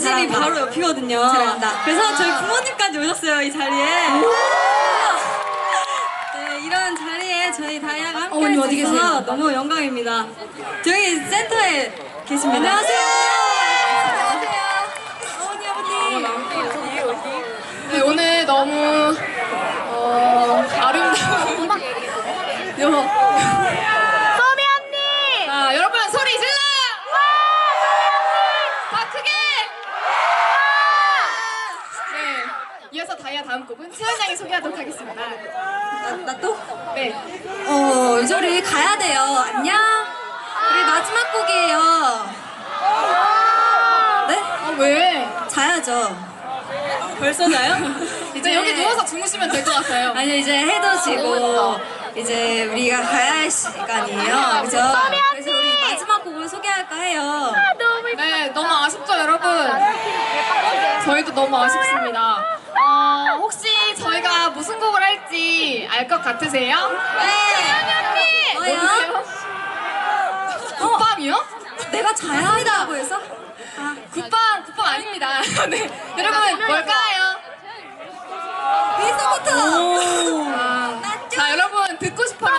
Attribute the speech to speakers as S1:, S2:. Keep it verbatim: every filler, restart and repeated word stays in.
S1: 집이 바로 옆이거든요.
S2: 잘한다.
S1: 그래서 저희 부모님까지 오셨어요, 이 자리에. 네, 이런 자리에 저희 다이아가 함께
S2: 어머님
S1: 할 수
S2: 어디
S1: 있어서
S2: 계세요?
S1: 너무 영광입니다. 저희 센터에 계십니다. 안녕하세요. 안녕하세요. 어머니, 아버님.
S2: 네, 오늘 너무 어, 아름다운 여보.
S3: 소미 언니!
S2: 자, 여러분 소리 질러! 더 크게! 네, 이어서 다이아 다음 곡은 채연 양이 소개하도록 하겠습니다.
S1: 나, 나 또?
S2: 네,
S1: 어, 이제 우리 가야 돼요. 안녕. 우리 마지막 곡이에요. 네?
S2: 아 왜?
S1: 자야죠. 벌써 자요?
S2: 이제 여기 누워서 주무시면 될 것 같아요.
S1: 아니 이제 해도 지고 이제 우리가 가야 할 시간이에요. 그죠? 그래서 우리 마지막 곡을 소개할까 해요.
S2: 네, 너무 아쉽죠, 여러분? 저희도 너무 아쉽습니다. 어, 혹시 저희가 무슨 곡을 할지 알 것 같으세요?
S1: 네. 뭐요?
S2: 모르세요? 굿밤이요?
S1: 내가 자야 한다고 해서? 아,
S2: 굿밤, 굿밤 아닙니다. 네, 여러분 뭘까요?
S1: 비서부터.
S2: 아,